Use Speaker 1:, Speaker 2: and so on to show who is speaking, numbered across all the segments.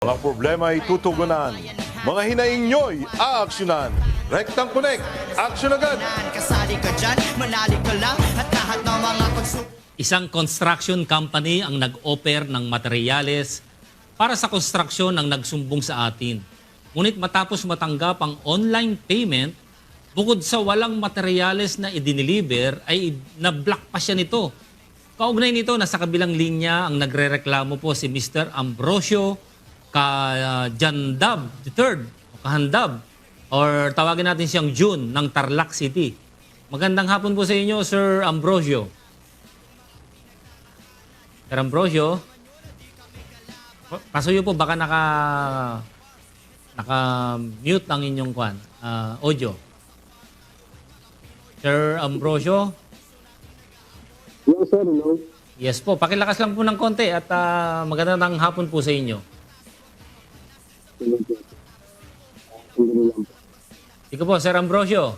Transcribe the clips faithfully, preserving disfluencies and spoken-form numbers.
Speaker 1: Mga problema ay tutugunan. Mga hinaing nyo'y aaksyonan. Rectang Connect, aksyon agad!
Speaker 2: Kasali ka dyan, manali ka lang at lahat ng mga konsumo.
Speaker 3: Isang construction company ang nag-offer ng materyales para sa konstruksyon ang nagsumbong sa atin. Ngunit matapos matanggap ang online payment, bukod sa walang materyales na idiniliver, ay na-block pa siya nito. Kaugnay nito, nasa kabilang linya ang nagrereklamo po si Mister Ambrosio Kajandab the third, Kahandab, or tawagin natin siyang June ng Tarlac City. Magandang hapon po sa inyo, Sir Ambrosio. Sir Ambrosio, pasuyo po, baka naka naka-mute ang inyong kwan, uh, audio. Sir Ambrosio?
Speaker 4: Yes, sir. Hello.
Speaker 3: Yes po, pakilakas lang po ng konti at uh, magandang hapon po sa inyo.
Speaker 4: Hello, sir. Sandali lang po.
Speaker 3: Ikaw po, Sir Ambrosio.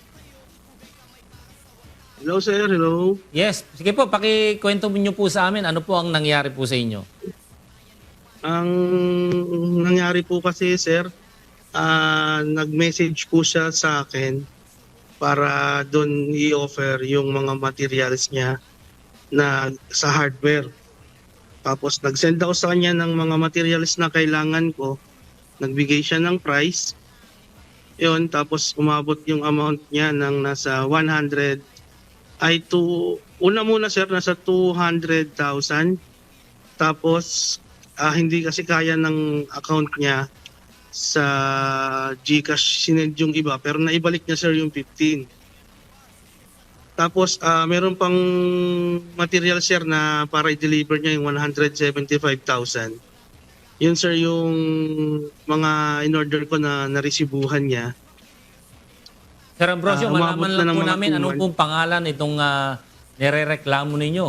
Speaker 4: Hello, sir. Hello.
Speaker 3: Yes, sige po, pakikwento niyo po sa amin ano po ang nangyari po sa inyo.
Speaker 4: Ang nangyari po kasi, sir, ah, nag-message po siya sa akin para doon i-offer yung mga materials niya na sa hardware. Tapos nag-send ako sa kanya ng mga materials na kailangan ko. Nagbigay siya ng price. Yun, tapos umabot yung amount niya ng nasa one hundred ay to, una muna sir, nasa two hundred thousand. Tapos ah, hindi kasi kaya ng account niya sa GCash sinend yung iba, pero naibalik niya sir yung fifteen. Tapos ah, meron pang material sir na para i-deliver niya yung one hundred seventy-five thousand. Yun sir yung mga in-order ko na naresibuhan niya.
Speaker 3: Sir Ambrosio,
Speaker 4: Ah, umabot
Speaker 3: malaman
Speaker 4: na
Speaker 3: lang
Speaker 4: ng
Speaker 3: po
Speaker 4: mga
Speaker 3: namin
Speaker 4: two
Speaker 3: anong
Speaker 4: months.
Speaker 3: pong pangalan itong uh, nirereklamo ninyo.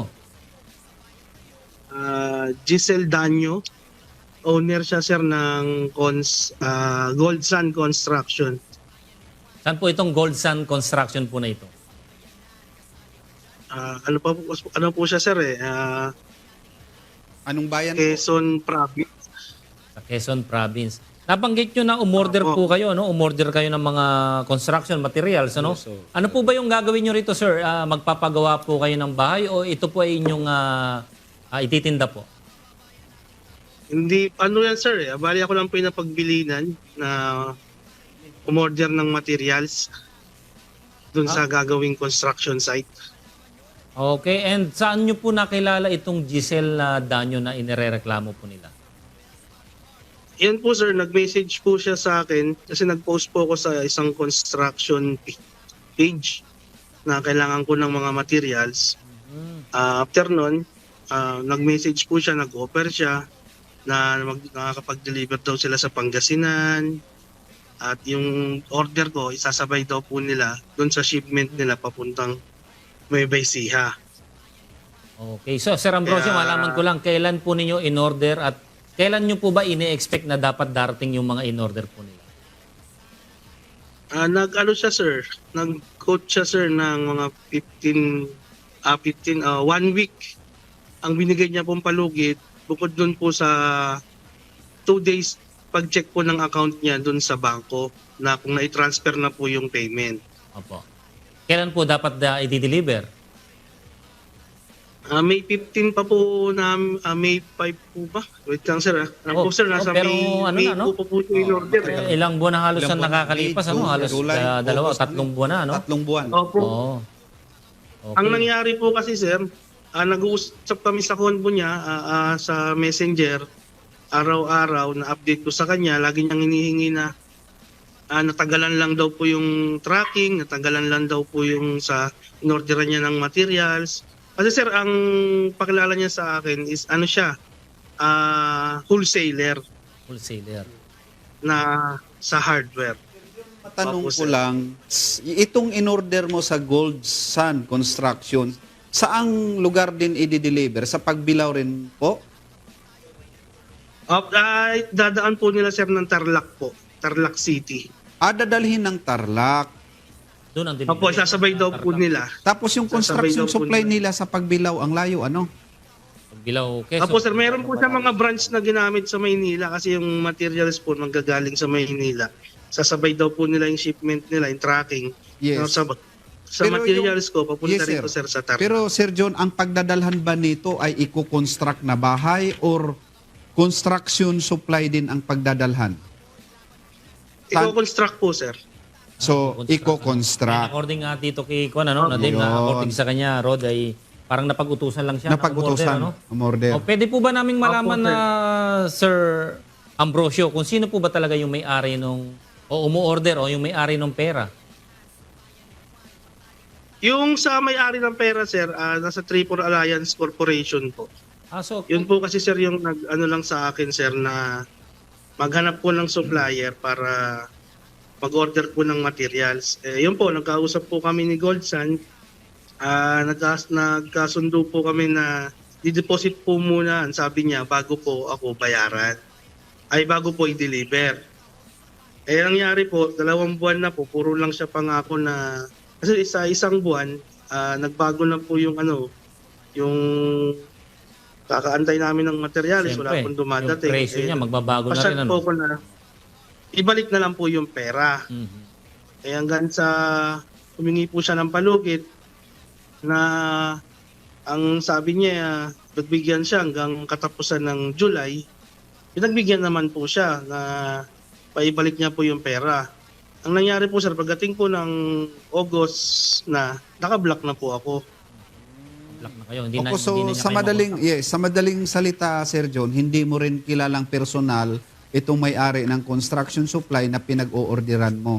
Speaker 4: Ah, Giselle Danyo, owner siya sir ng cons, ah, Gold Sun Construction.
Speaker 3: Saan po itong Gold Sun Construction po na ito?
Speaker 4: Ah, ano pa po, ano po siya sir eh, ah,
Speaker 5: Anong bayan po?
Speaker 4: Quezon Province.
Speaker 3: Sa Quezon Province. Nabanggit nyo na umorder
Speaker 4: Opo.
Speaker 3: po kayo, no? Umorder kayo ng mga construction materials, ano?
Speaker 5: Yes, sir.
Speaker 3: Ano po ba yung gagawin nyo rito, sir? Ah, magpapagawa po kayo ng bahay o ito po ay inyong ah, ah, ititinda po?
Speaker 4: Hindi, ano yan sir eh, bali ako lang po yung napagbilinan na umorder ng materials dun sa gagawing construction site.
Speaker 3: Okay, and saan nyo po nakilala itong Giselle na Danyo na inirereklamo po nila?
Speaker 4: Yan po sir, nag-message po siya sa akin kasi nag-post po ako sa isang construction page na kailangan ko ng mga materials. Ah, after nun, ah, nag-message po siya, nag-offer siya na mag, nakakapag-deliver daw sila sa Pangasinan at yung order ko isasabay daw po nila doon sa shipment nila papuntang Nueva Ecija.
Speaker 3: Okay, so Sir Ambrosio,
Speaker 4: Kaya-
Speaker 3: malaman ko lang, kailan po ninyo in-order at kailan nyo po ba ini-expect na dapat darating yung mga in-order po nila?
Speaker 4: Ah, nag-ano siya sir, nag-quote siya sir ng mga fifteen, ah, fifteen, ah, one week ang binigay niya pong palugit bukod dun po sa two days pag-check po ng account niya dun sa bangko na kung na-transfer na po yung payment.
Speaker 3: Opo. Kailan po dapat uh, i-deliver?
Speaker 4: Ah, May fifteen pa po na ah, May five po ba? Wait lang sir ah. Ano
Speaker 3: Oh,
Speaker 4: po sir, nasa
Speaker 3: oh, pero
Speaker 4: May,
Speaker 3: ano
Speaker 4: May
Speaker 3: na, no?
Speaker 4: po po po yung in-order.
Speaker 3: Eh, ilang buwan na halos
Speaker 5: Ilang
Speaker 3: ang
Speaker 5: buwan?
Speaker 3: nakakalipas,
Speaker 5: May,
Speaker 3: ano?
Speaker 5: June,
Speaker 3: Halos
Speaker 5: July,
Speaker 3: uh, dalawa,
Speaker 5: August,
Speaker 3: tatlong buwan na, ano?
Speaker 5: Tatlong buwan.
Speaker 4: Opo.
Speaker 3: Oo. Okay.
Speaker 4: Ang nangyari po kasi sir, ah, nag-uusap kami sa konbo niya ah, ah, sa Messenger, araw-araw na update ko sa kanya, lagi niyang hinihingi na ah, natagalan lang daw po yung tracking, natagalan lang daw po yung sa inorderan niya ng materials. Kasi sir, ang pakilala niya sa akin is ano siya, ah, wholesaler
Speaker 3: Wholesaler.
Speaker 4: na sa hardware.
Speaker 5: Matanong
Speaker 4: Opo,
Speaker 5: ko
Speaker 4: sir.
Speaker 5: lang, s- itong in-order mo sa Gold Sun Construction, saang lugar din i-deliver? Sa Pagbilao rin po?
Speaker 4: Uh, ay, dadaan po nila sir ng Tarlac po, Tarlac City.
Speaker 5: Ah, dadalhin ng Tarlac.
Speaker 3: Doon ang
Speaker 4: Opo, sasabay daw po nila.
Speaker 5: Tapos yung
Speaker 4: Sasabay
Speaker 5: construction
Speaker 4: daw po
Speaker 5: supply
Speaker 4: nila.
Speaker 5: nila sa Pagbilao, ang layo, ano?
Speaker 3: Pagbilao, Quezon.
Speaker 4: Apo sir, meron po siya mga branch na ginamit sa Maynila kasi yung materials po manggagaling sa Maynila. Sasabay daw po nila yung shipment nila, yung tracking.
Speaker 5: Yes.
Speaker 4: No, sa sa
Speaker 5: Pero
Speaker 4: materials
Speaker 5: yung-
Speaker 4: ko, papunta
Speaker 5: Yes,
Speaker 4: rito sir sa Tarlac.
Speaker 5: Pero Sir John, ang pagdadalhan ba nito ay i-construct na bahay or construction supply din ang pagdadalhan?
Speaker 4: Iko-construct po sir.
Speaker 5: So,
Speaker 3: And
Speaker 5: i-construct.
Speaker 3: according nga dito kay Kwan, ano, Nadim, na
Speaker 5: Yun.
Speaker 3: according sa kanya, Rod, ay parang napag-utusan lang siya.
Speaker 5: Napag-utusan,
Speaker 3: na umorder, ano?
Speaker 5: umorder.
Speaker 3: O, pwede po ba naming malaman
Speaker 4: Opo, sir.
Speaker 3: na, Sir Ambrosio, kung sino po ba talaga yung may-ari nung, o umu-order, o yung may-ari ng pera?
Speaker 4: Yung sa may-ari ng pera sir, ah, nasa Triple Alliance Corporation po.
Speaker 3: Ah, so,
Speaker 4: Yun po kasi sir yung nag ano lang sa akin sir na maghanap po ng supplier para mag-order po ng materials. Eh, yun po, nagkausap po kami ni Goldsan. Ah, nagkas nagkasundo po kami na di-deposit po muna, ang sabi niya, bago po ako bayaran. Ay, bago po i-deliver. Eh, nangyari po, dalawang buwan na po, puro lang siya pangako na, kasi sa isang buwan, ah, nagbago na po yung ano, yung kakaantay namin ng materials, wala
Speaker 3: siyempre,
Speaker 4: pong dumadating.
Speaker 3: yung presyo
Speaker 4: Eh,
Speaker 3: niya, magbabago na
Speaker 4: pasyat
Speaker 3: rin,
Speaker 4: po
Speaker 3: ano?
Speaker 4: ko na, ibalik na lang po yung pera.
Speaker 3: Mhm.
Speaker 4: Eh hanggang sa humingi po siya ng palugit na ang sabi niya, nagbigyan siya hanggang katapusan ng July, pinagbigyan naman po siya na paibalik niya po yung pera. Ang nangyari po sir, pagdating po ng August na, naka-block na po ako.
Speaker 3: Black na kayo. Hindi na,
Speaker 5: Opo, so
Speaker 3: hindi na niya
Speaker 5: sa
Speaker 3: kayo
Speaker 5: madaling
Speaker 3: makontak.
Speaker 5: yes, sa madaling salita Sir John, hindi mo rin kilalang personal itong may-ari ng construction supply na pinag-oorderan mo.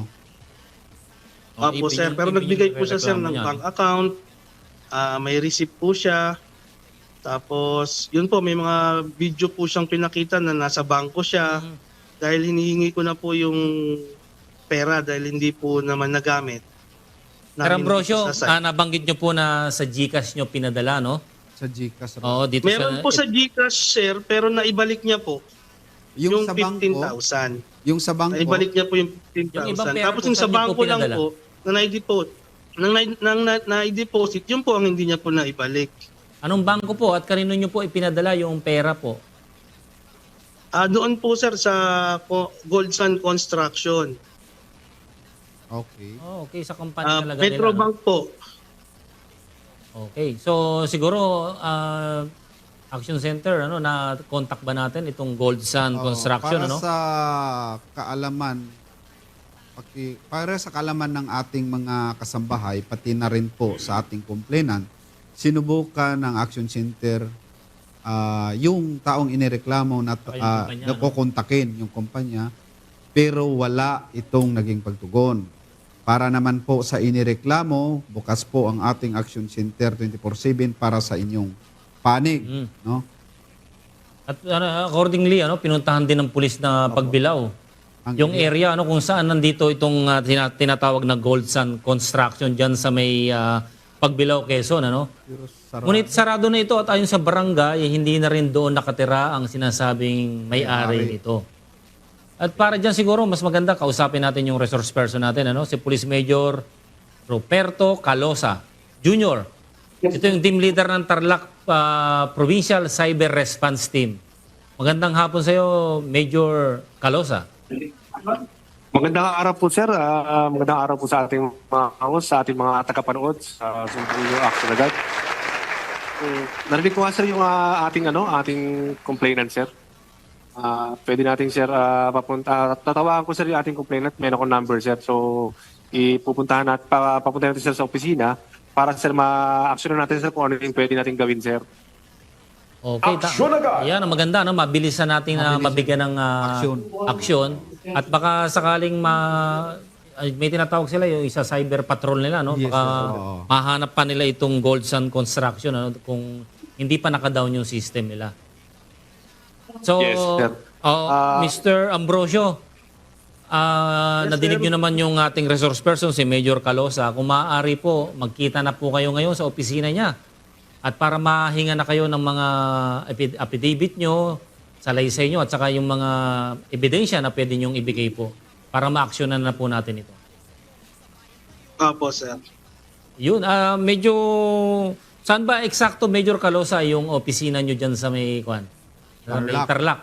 Speaker 3: O,
Speaker 4: Opo
Speaker 3: ipin
Speaker 4: sir,
Speaker 3: yung-
Speaker 4: pero
Speaker 3: ipin
Speaker 4: nagbigay
Speaker 3: yung
Speaker 4: po siya sir
Speaker 3: reklamo
Speaker 4: ng
Speaker 3: niya.
Speaker 4: bank account, ah, may receipt po siya. Tapos, yun po, may mga video po siyang pinakita na nasa bangko siya.
Speaker 3: Mhm.
Speaker 4: Dahil hinihingi ko na po yung pera dahil hindi po naman nagamit.
Speaker 3: Sir Ambrosio,
Speaker 4: Namin sa site.
Speaker 3: ah, nabanggit nyo po na sa GCash nyo pinadala, no?
Speaker 5: Sa GCash.
Speaker 3: Oo, dito
Speaker 4: Meron
Speaker 3: sa...
Speaker 4: po sa GCash sir, pero naibalik niya po yung,
Speaker 5: yung sa bangko,
Speaker 4: fifteen thousand.
Speaker 5: yung sa bangko,
Speaker 4: Naibalik niya po yung fifteen
Speaker 3: Yung ibang
Speaker 4: thousand.
Speaker 3: pera
Speaker 4: Tapos
Speaker 3: po,
Speaker 4: yung sa
Speaker 3: saan niyo po
Speaker 4: bangko lang
Speaker 3: pinadala?
Speaker 4: po, na na-deposit, nang na- nang na- na-deposit, yun po ang hindi niya po naibalik.
Speaker 3: Anong bangko po at kanino nyo po ipinadala yung pera po?
Speaker 4: Ah, doon po sir sa Co- Gold Sun Construction.
Speaker 5: okay.
Speaker 3: Oh, okay, sa company
Speaker 4: Ah,
Speaker 3: talaga
Speaker 4: Metrobank po.
Speaker 3: nila. No? Okay, so siguro ah, Action Center, ano, na contact ba natin itong Gold Sun
Speaker 5: Oo,
Speaker 3: Construction,
Speaker 5: para
Speaker 3: ano?
Speaker 5: sa kaalaman, paki, para sa kaalaman ng ating mga kasambahay, pati na rin po sa ating complainant, sinubukan ng Action Center ah, yung taong inireklamo na
Speaker 3: Saka yung
Speaker 5: uh,
Speaker 3: kumpanya,
Speaker 5: na
Speaker 3: no?
Speaker 5: kukontakin yung kumpanya, pero wala itong naging pagtugon. Para naman po sa inireklamo, bukas po ang ating Action Center twenty-four seven para sa inyong panig,
Speaker 3: Mm.
Speaker 5: no?
Speaker 3: At ano, accordingly, ano, pinuntahan din ng pulis na pagbilaw.
Speaker 5: Ang-
Speaker 3: Yung area ano kung saan nandito itong ah, tina- tinatawag na Gold Sun Construction diyan sa may ah, Pagbilao, Quezon, ano?
Speaker 5: Pero sarap.
Speaker 3: Ngunit sarado na ito at ayon sa barangay, eh, hindi na rin doon nakatira ang sinasabing may-ari
Speaker 5: May-ari.
Speaker 3: nito. At para dyan siguro, mas maganda, kausapin natin yung resource person natin, ano? Si Police Major Ruperto Calosa Junior Ito yung team leader ng Tarlac ah, Provincial Cyber Response Team. Magandang hapon sa iyo, Major Calosa.
Speaker 6: Magandang araw po, sir. Ah, magandang araw po sa ating mga host, sa ating mga tagapanood sa Sumbunyo Action agad. Um, narinig ko nga, sir, yung ah, ating, ano, ating complainant, sir. Ah, pwede natin, sir, ah, papunta. Tatawaan ko, sir, yung ating complainant. Meron akong number, sir. So, ipupuntahan natin, pa, papunta natin, sir, sa opisina para, sir, ma-actionan natin, sir, kung ano yung pwede natin gawin, sir.
Speaker 3: Okay, ta- Yan, ang maganda, no? Mabilisan natin na mabigyan ng ah,
Speaker 5: Aksyon.
Speaker 3: aksyon. At baka sakaling ma... ay, may tinatawag sila yung isa cyber patrol nila, no?
Speaker 5: Yes,
Speaker 3: Baka
Speaker 5: sir. Oo.
Speaker 3: mahanap pa nila itong Gold Sun Construction, ano? Kung hindi pa naka-down yung system nila. So,
Speaker 6: Yes, sir.
Speaker 3: oh,
Speaker 6: Ah,
Speaker 3: Mister Ambrosio, ah, nadinig nyo naman yung ating resource person, si Major Calosa. Kung maaari po, magkita na po kayo ngayon sa opisina niya. At para mahinga na kayo ng mga epi- affidavit nyo, salaysay nyo, at saka yung mga ebidensya na pwede nyong ibigay po para ma-actionan na po natin ito.
Speaker 4: Opo sir.
Speaker 3: Yun, ah medyo Saan ba eksakto, Major Calosa, yung opisina nyo dyan sa may, kwan? Sa may
Speaker 5: Tarlac.
Speaker 3: Tarlac?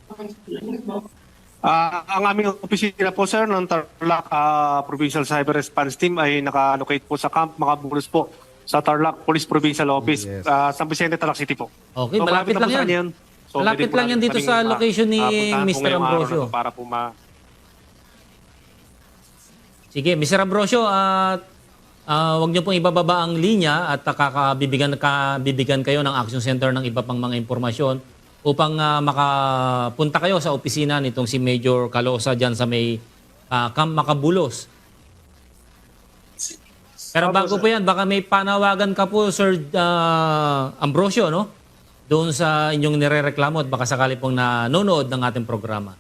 Speaker 6: Ah, ang aming opisina po sir ng Tarlac ah, Provincial Cyber Response Team ay naka-allocate po sa Camp Makabulos po sa Tarlac Police Provincial Office,
Speaker 5: Yes.
Speaker 6: ah, San Vicente, Tarlac City po.
Speaker 3: Okay,
Speaker 6: So,
Speaker 3: malapit lang
Speaker 6: po sa
Speaker 3: yan.
Speaker 6: kanya So,
Speaker 3: Malapit
Speaker 6: pwede po
Speaker 3: lang yan
Speaker 6: natin
Speaker 3: dito
Speaker 6: kaming
Speaker 3: sa
Speaker 6: ma-
Speaker 3: location ni
Speaker 6: ah, puntahan po
Speaker 3: Mister
Speaker 6: ngayong araw
Speaker 3: Ambrosio.
Speaker 6: na to para po ma...
Speaker 3: Sige, Mister Ambrosio, at ah, wag niyo pong ibababa ang linya at ah, kakabibigyan, kabibigyan kayo ng Action Center ng iba pang mga impormasyon upang ah, makapunta kayo sa opisina nitong si Major Calosa dyan sa may ah, Camp Makabulos. Pero bago po yan, baka may panawagan ka po, Sir ah, Ambrosio, no? Doon sa inyong nirereklamo at baka sakali pong nanonood ng ating programa.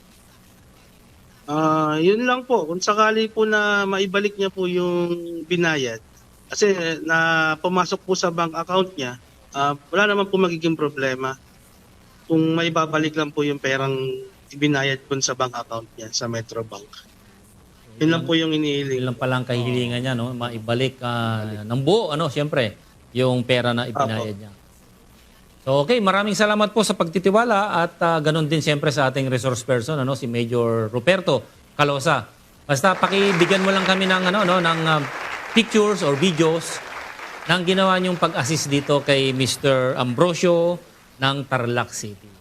Speaker 4: Ah, yun lang po. Kung sakali po na maibalik niya po yung binayad, kasi na pumasok po sa bank account niya, ah, wala naman po magiging problema. Kung maibabalik lang po yung perang ibinayad po sa bank account niya sa Metrobank. Yun lang po yung inihiling.
Speaker 3: Yun lang pala ang kahilingan niya, no? Maibalik ah, ng buo, ano, siyempre, yung pera na ibinayad niya. So, okay, maraming salamat po sa pagtitiwala at ah, ganun din siyempre sa ating resource person, ano, si Major Ruperto Calosa. Basta pakibigyan mo lang kami ng, ano, no, ng ah, pictures or videos ng ginawa niyong pag-assist dito kay Mister Ambrosio ng Tarlac City.